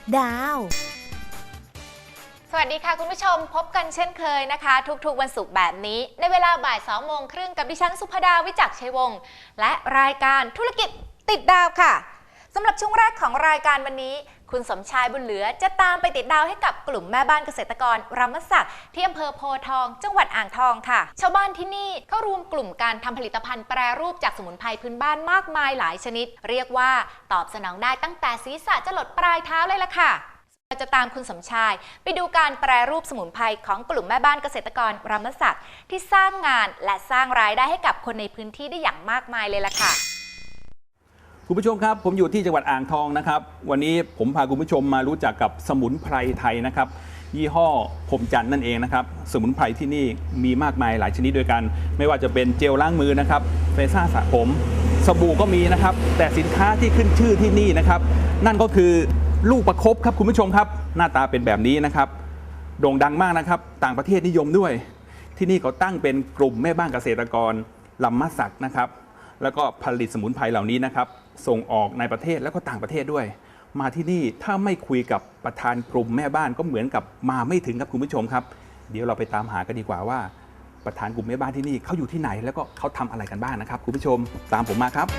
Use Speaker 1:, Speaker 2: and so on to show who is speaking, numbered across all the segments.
Speaker 1: ดาว
Speaker 2: สวัสดีค่ะคุณผู้ชมพบกันเช่นเคยนะคะทุกๆวันศุกร์แบบนี้ในเวลาบ่าย2 โมงครึ่งกับดิฉันสุภดาวิจักษ์ชัยวงศ์และรายการธุรกิจติดดาวค่ะสำหรับช่วงแรกของรายการวันนี้คุณสมชายบุญเหลือจะตามไปติดดาวให้กับกลุ่มแม่บ้านเกษตรกรรมศักดิ์ที่อำเภอโพธิ์ทองจังหวัดอ่างทองค่ะชาวบ้านที่นี่เขารวมกลุ่มการทำผลิตภัณฑ์แปรรูปจากสมุนไพรพื้นบ้านมากมายหลายชนิดเรียกว่าตอบสนองได้ตั้งแต่ศีรษะจรดปลายเท้าเลยล่ะค่ะเราจะตามคุณสมชายไปดูการแปรรูปสมุนไพรของกลุ่มแม่บ้านเกษตรกรรมศักดิ์ที่สร้างงานและสร้างรายได้ให้กับคนในพื้นที่ได้อย่างมากมายเลยล่ะค่ะ
Speaker 3: คุณผู้ชมครับผมอยู่ที่จังหวัดอ่างทองนะครับวันนี้ผมพาคุณผู้ชมมารู้จักกับสมุนไพรไทยนะครับยี่ห้อพรหมจันทร์นั่นเองนะครับสมุนไพรที่นี่มีมากมายหลายชนิดด้วยกันไม่ว่าจะเป็นเจลล้างมือนะครับเฟซ่าสระผมสบู่ก็มีนะครับแต่สินค้าที่ขึ้นชื่อที่นี่นะครับนั่นก็คือลูกประคบครับคุณผู้ชมครับหน้าตาเป็นแบบนี้นะครับโด่งดังมากนะครับต่างประเทศนิยมด้วยที่นี่เขาตั้งเป็นกลุ่มแม่บ้านเกษตรกรลำมะสักนะครับแล้วก็ผลิตสมุนไพรเหล่านี้นะครับส่งออกในประเทศแล้วก็ต่างประเทศด้วยมาที่นี่ถ้าไม่คุยกับประธานกลุ่มแม่บ้านก็เหมือนกับมาไม่ถึงครับคุณผู้ชมครับเดี๋ยวเราไปตามหากันดีกว่าว่าประธานกลุ่มแม่บ้านที่นี่เขาอยู่ที่ไหนแล้วก็เขาทำอะไรกันบ้างนะครับคุณผู้ชมตามผมมาครับ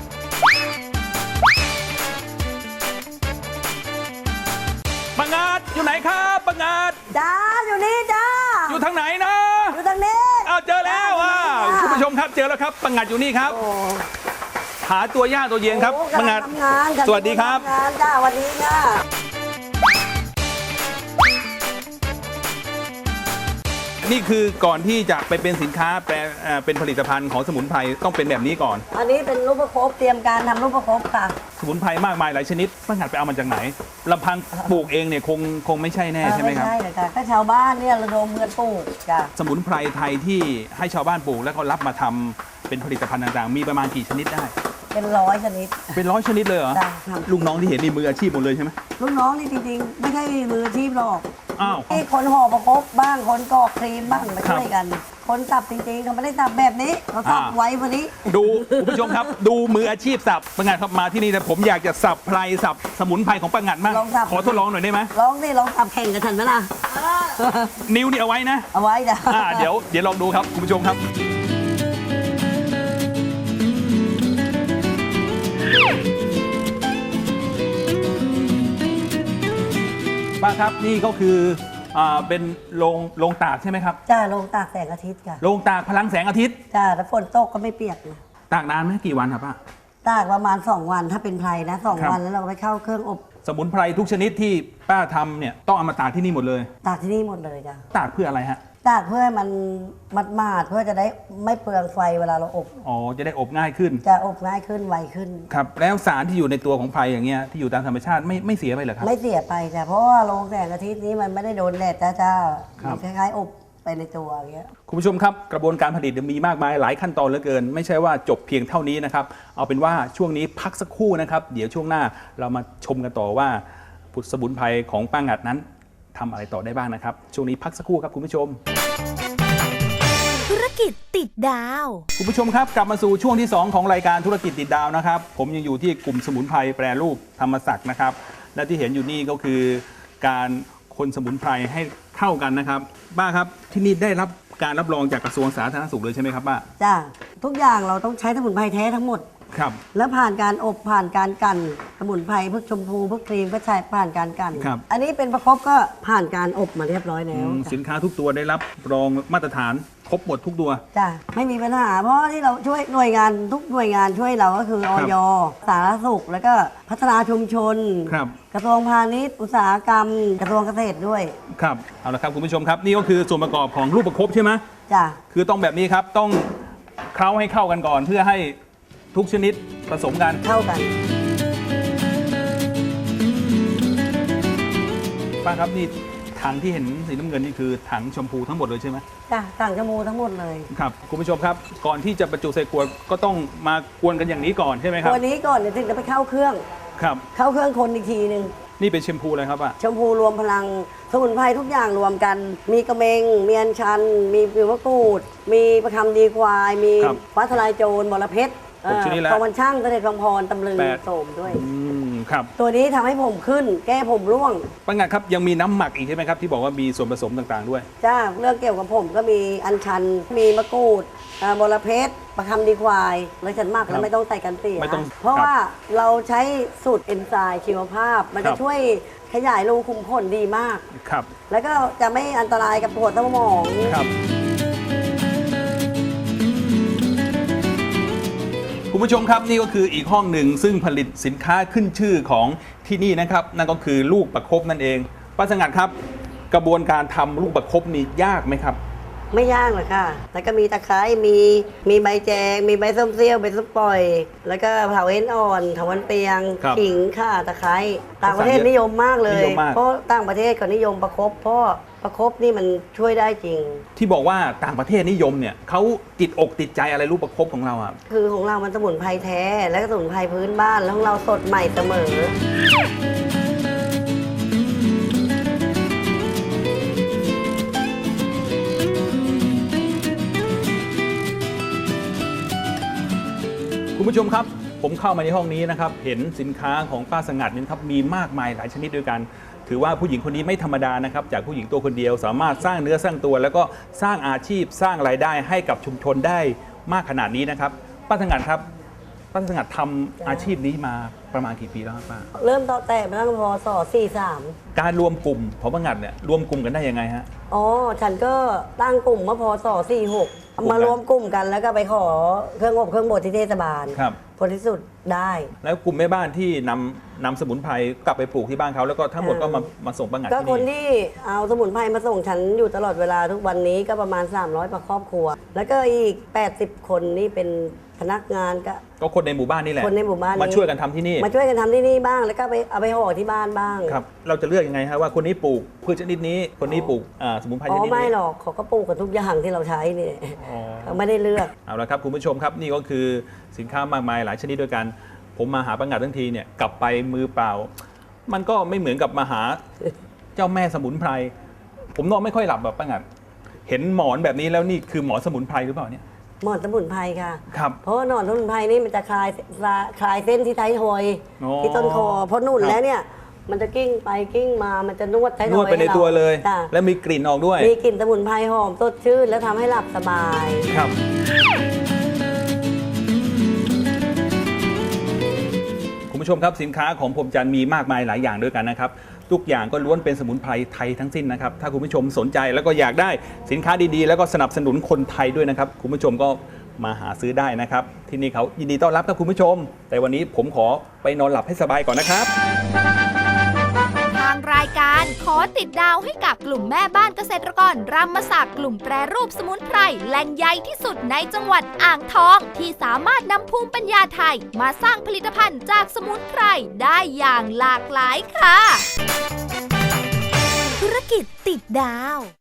Speaker 3: ปังงาดอยู่ไหนครับปังงาด
Speaker 4: จ้าอยู่นี่จ้า
Speaker 3: อยู่ทางไหนนะ
Speaker 4: อยู่ทางนี้
Speaker 3: อ้าวเจอแล้วคุณผู้ชมครับเจอแล้วครับปังงาดอยู่นี่ครับหาตัวยากตัวเย็นครับปังงาดสวัสดีครับ
Speaker 4: จ้าวันนี้จ้า
Speaker 3: นี่คือก่อนที่จะไปเป็นสินค้าเป็นผลิตภัณฑ์ของสมุนไพรต้องเป็นแบบนี้ก่อน
Speaker 4: อันนี้เป็นลูกประคบเตรียมการทำลูกประคบค่ะ
Speaker 3: สมุนไพรมากมายหลายชนิดปังงาดไปเอามาจากไหนลำพังปลูกเองเนี่ยคงไม่ใช่แน่ใช่ไหมครับ
Speaker 4: ไม่ใช่เลยค่ะก็ชาวบ้านเนี่ยระดมเงินปลูกจ้า
Speaker 3: สมุนไพรไทยที่ให้ชาวบ้านปลูกแล้วก็รับมาทำเป็นผลิตภัณฑ์ต่างๆมีประมาณกี่ชนิดได้
Speaker 4: เป็น100 ชนิด
Speaker 3: เป็น100 ชนิดเลยเหรอลูกน้องที่เห็นนี่มืออาชีพหมดเลยใช่ไหม
Speaker 4: ลูกน้องนี่จริงๆไม่ใช่มืออาชีพหรอก
Speaker 3: อ้าว
Speaker 4: ที่คนห่อประคบบ้างคนกรอกครีมบ้างมาช่วยกันคนสับจริงๆเขาไม่ได้สับแบบนี้เขาสับไว้วันนี้
Speaker 3: ดูคุณผู้ชมครับดูมืออาชีพสับปังงาดครับมาที่นี่แต่ผมอยากจะสับไพรสับสมุนไพรของปังงาดมากขอทดลองหน่อยได้ไหม
Speaker 4: ลองสิลองสับแข่งกับฉันไหมล่ะ
Speaker 3: นิ้วนี่เอาไว้นะ
Speaker 4: เอาไว้จ้ะ
Speaker 3: เดี๋ยวลองดูครับคุณผู้ชมครับป้าครับนี่ก็คือเป็นโรงตากใช่ไหมครับ
Speaker 4: จ้าโรงตากแสงอาทิตย์ค่ะ
Speaker 3: โรงตากพลังแสงอาทิตย์
Speaker 4: จ้าถ้าฝนตกก็ไม่เปียกนะ
Speaker 3: ตากนานไหมกี่วันครับป้า
Speaker 4: ตากประมาณ2 วันถ้าเป็นไพรนะ2 วันแล้วเราไปเข้าเครื่องอบ
Speaker 3: สมุนไพรทุกชนิดที่ป้าทำเนี่ยต้องเอามาตากที่นี่หมดเลย
Speaker 4: ตากที่นี่หมดเลยจ้า
Speaker 3: ตากเพื่ออะไรฮะ
Speaker 4: ตากเพื่อให้มันมัดเพื่อจะได้ไม่เปลืองไฟเวลาเราอบ
Speaker 3: อ๋อจะได้อบง่ายขึ้น
Speaker 4: จะอบง่ายขึ้นไวขึ้น
Speaker 3: ครับแล้วสารที่อยู่ในตัวของไพรอย่างเงี้ยที่อยู่ตามธรรมชาติไม่เสียไปเหรอครับ
Speaker 4: ไม่เสียไปจ้ะเพราะว่าโรงแสงอาทิตย์นี้มันไม่ได้โดนแดดจ้ามันคล้ายๆอบไปในตัวอย่างเงี้ย
Speaker 3: คุณผู้ชมครับกระบวนการผลิตมีมากมายหลายขั้นตอนเหลือเกินไม่ใช่ว่าจบเพียงเท่านี้นะครับเอาเป็นว่าช่วงนี้พักสักครู่นะครับเดี๋ยวช่วงหน้าเรามาชมกันต่อว่าสมุนไพรของป้างัดนั้นทำอะไรต่อได้บ้างนะครับช่วงนี้พักสักครู่ครับคุณผู้ชม
Speaker 1: ธุรกิจติดดาว
Speaker 3: คุณผู้ชมครับกลับมาสู่ช่วงที่2ของรายการธุรกิจติดดาวนะครับผมยังอยู่ที่กลุ่มสมุนไพรแปรรูปธรรมศักดิ์นะครับและที่เห็นอยู่นี่ก็คือการคนสมุนไพรให้เข้ากันนะครับป้าครับที่นี่ได้รับการรับรองจากกระทรวงสาธารณสุขเลยใช่ไหมครับป้า
Speaker 4: จ้าทุกอย่างเราต้องใช้สมุนไพรแท้ทั้งหมด
Speaker 3: ครับ
Speaker 4: แล้วผ่านการอบผ่านการกั่นสมุนไพรพวกชมพูพวกครีมก็ใช้ผ่านการกั่นอันนี้เป็นประคบก็ผ่านการอบมาเรียบร้อยแล้ว
Speaker 3: สินค้าทุกตัวได้รับรองมาตรฐานครบหมดทุกตัว
Speaker 4: จ้ะไม่มีปัญหาเพราะที่เราช่วยหน่วยงานทุกหน่วยงานช่วยเราก็คืออย.สาธารณสุขแล้วก็พัฒนาชุมชนกระทรวงพาณิชย์อุตสาหกรรมกระทรวงเกษตรด้วย
Speaker 3: ครับเอาละครับคุณผู้ชมครับนี่ก็คือส่วนประกอบของลูกประคบใช่ไหม
Speaker 4: จ้ะ
Speaker 3: คือต้องแบบนี้ครับต้องเคล้าให้เข้ากันก่อนเพื่อให้ทุกชนิดผสมกัน
Speaker 4: เข้ากัน
Speaker 3: ป้าครับนี่ถังที่เห็นสีน้ำเงินนี่คือถังชมพูทั้งหมดเลยใช่ไหม
Speaker 4: จ้ะถังชมพูทั้งหมดเลย
Speaker 3: ครับคุณผู้ชมครับก่อนที่จะบรรจุใส่ขวดก็ต้องมากวนกันอย่างนี้ก่อนใช่ไหมครับ
Speaker 4: ตัวนี้ก่อนเดี๋ยวถึงจะไปเข้าเครื่อง
Speaker 3: ครับ
Speaker 4: เข้าเครื่องคนอีกทีนึง
Speaker 3: นี่เป็นแชมพูอะไรครับป้า
Speaker 4: แชมพูรวมพลังสมุนไพรทุกอย่างรวมกันมีกระเมงมีอัญชันมีผิวมะกรูดมีประคำดีควายมีฟ้าทลายโจรบรเพชรตะวันช่างเสด็จกองพรตำลึงโสมด้วย
Speaker 3: ครับ
Speaker 4: ตัวนี้ทำให้ผมขึ้น แก้ผมร่วง
Speaker 3: ป้างัดครับยังมีน้ำหมักอีกใช่ไหมครับที่บอกว่ามีส่วนผสมต่างๆด้วย
Speaker 4: จ้าเรื่องเกี่ยวกับผมก็มีอัญชัน มีมะกรูดบรเพชรประคำดีควายแล้วฉันหมัก
Speaker 3: ครั
Speaker 4: แล้
Speaker 3: บ
Speaker 4: วไม่ต้องใส่กันเสีย
Speaker 3: ไม่ต้อง
Speaker 4: เพราะ
Speaker 3: ครับ
Speaker 4: ว่าเราใช้สูตรเอนไซม์ชีวภาพ มัน
Speaker 3: ครั
Speaker 4: จะ
Speaker 3: บ
Speaker 4: ช่วยขยายรูขุมขนดีมาก
Speaker 3: ครับ
Speaker 4: แล้วก็จะไม่อันตรายกับปวดสมอง
Speaker 3: ครับคุณผู้ชมครับนี่ก็คืออีกห้องหนึ่งซึ่งผลิตสินค้าขึ้นชื่อของที่นี่นะครับนั่นก็คือลูกประคบนั่นเองป้าสงัดครับ กระบวนการทำลูกประคบนี่ยากไหมครับ
Speaker 4: ไม่ยากหรอกค่ะ แล้วก็มีตะไคร้มีใบแจง มีใบส้มเสี้ยวใบส้มปล่อย แล้วก็เผาเอ็นอ่อนถาวันเปียง
Speaker 3: ครับ
Speaker 4: ขิงข่าตะไคร้ต่างประเทศนิยมมากเลย
Speaker 3: นิยมมาก
Speaker 4: เพราะต่างประเทศก็นิยมประคบเพราะประคบนี่มันช่วยได้จริง
Speaker 3: ที่บอกว่าต่างประเทศนิยมเนี่ยเขาติดอกติดใจอะไรลูกประคบของเราอ่ะ
Speaker 4: คือของเรามันสมุนไพรแท้ และก็สมุนไพรพื้นบ้าน แล้วของเราสดใหม่เสมอ
Speaker 3: คุณผู้ชมครับ ผมเข้ามาในห้องนี้นะครับเห็นสินค้าของป้าสงัดนี่ครับมีมากมายหลายชนิดด้วยกัน ถือว่าผู้หญิงคนนี้ไม่ธรรมดานะครับจากผู้หญิงตัวคนเดียว สามารถสร้างเนื้อสร้างตัว แล้วก็สร้างอาชีพสร้างรายได้ให้กับชุมชนได้มากขนาดนี้นะครับป้าสงัดครับป้าสงัดทำอาชีพนี้มาประมาณกี่ปีแล้วครับป้า
Speaker 4: เริ่มต่อแต่มาตั้งพศ43
Speaker 3: การรวมกลุ่มของป้าสงัดเนี่ยรวมกลุ่มกันได้ยังไงฮะ
Speaker 4: อ๋อ ฉันก็ตั้งกลุ่มเมื่อพศ46มารวมกลุ่มกันแล้วก็ไปขอเครื่องอบเครื่องบดที่เทศบาล
Speaker 3: ครับ
Speaker 4: ผลที่สุดได้
Speaker 3: แล้วกลุ่มแม่บ้านที่นำสมุนไพรกลับไปปลูกที่บ้านเขาแล้วก็ทั้งหมดก็มาส่งป้าสงัด
Speaker 4: ก็
Speaker 3: ที่
Speaker 4: คน
Speaker 3: นี่
Speaker 4: ที่เอาสมุนไพรมาส่งฉันอยู่ตลอดเวลาทุกวันนี้ก็ประมาณ300ประครอบครัว แล้วก็อีก80คนนี่เป็นพนักงานก็
Speaker 3: ก็คนในหมู่บ้านนี่แหละ
Speaker 4: คนในหมู่บ้านนี้
Speaker 3: มาช่วยกันทำที่นี่
Speaker 4: มาช่วยกันทำที่นี่บ้างแล้วก็เอาไปห่อที่บ้านบ้าง
Speaker 3: ครับเราจะเลือกยังไงฮะว่าคนนี้ปลูกพืชชนิดนี้ คนนี้ปลูกสมุนไพรช
Speaker 4: อ๋อ
Speaker 3: นิดนี้
Speaker 4: ไม่หรอกเขาก็ปลูกกันทุกอย่างที่เราใช้นี่
Speaker 3: อ๋อ
Speaker 4: เขาไม่ได้เลือก
Speaker 3: เอาละครับคุณผู้ชมครับนี่ก็คือสินค้ามากมายหลายชนิดด้วยกัน ผมมาหาป้างัดทั้งทีเนี่ยกลับไปมือเปล่า มันก็ไม่เหมือนกับมาหาเจ้าแม่สมุนไพรผมนอนไม่ค่อยหลับแบบป้างัดเห็นหมอนแบบนี้แล้วนี่คือหมอนสมุนไพรหรือเปล่าเนี่ย
Speaker 4: หมอนสมุนไพรค่ะ
Speaker 3: ครับ
Speaker 4: เพราะว่าหนอนสมุนไพรนี่มันจะคลายเส้นที่ไทยทอย
Speaker 3: อ๋อ
Speaker 4: ที่ต้นคอเพราะนุ่น
Speaker 3: ครับ
Speaker 4: แล้วเนี่ยมันจะกิ้งไปกิ้งมามันจะนวดไทยทอย
Speaker 3: นวดไปในตัวเลย
Speaker 4: จ้ะ
Speaker 3: แล้วมีกลิ่นออกด้วย
Speaker 4: มีกลิ่นสมุนไพรหอมสดชื่นแล้วทำให้หลับสบาย
Speaker 3: ครับ คุณผู้ชมครับสินค้าของผมจันทร์มีมากมายหลายอย่างด้วยกันนะครับทุกอย่างก็ล้วนเป็นสมุนไพรไทยทั้งสิ้นนะครับถ้าคุณผู้ชมสนใจแล้วก็อยากได้สินค้าดีๆ แล้วก็สนับสนุนคนไทยด้วยนะครับคุณผู้ชมก็มาหาซื้อได้นะครับที่นี่เขายินดีต้อนรับครับคุณผู้ชม แต่วันนี้ผมขอไปนอนหลับให้สบายก่อนนะครับ
Speaker 1: ทางรายการขอติดดาวให้กับกลุ่มแม่บ้านเกษตรกรรำมศักดิ์กลุ่มแปรรูปสมุนไพรแหล่งใหญ่ที่สุดในจังหวัดอ่างทอง ที่สามารถนำภูมิปัญญาไทยมาสร้างผลิตภัณฑ์จากสมุนไพรได้อย่างหลากหลายค่ะ ธุรกิจติดดาว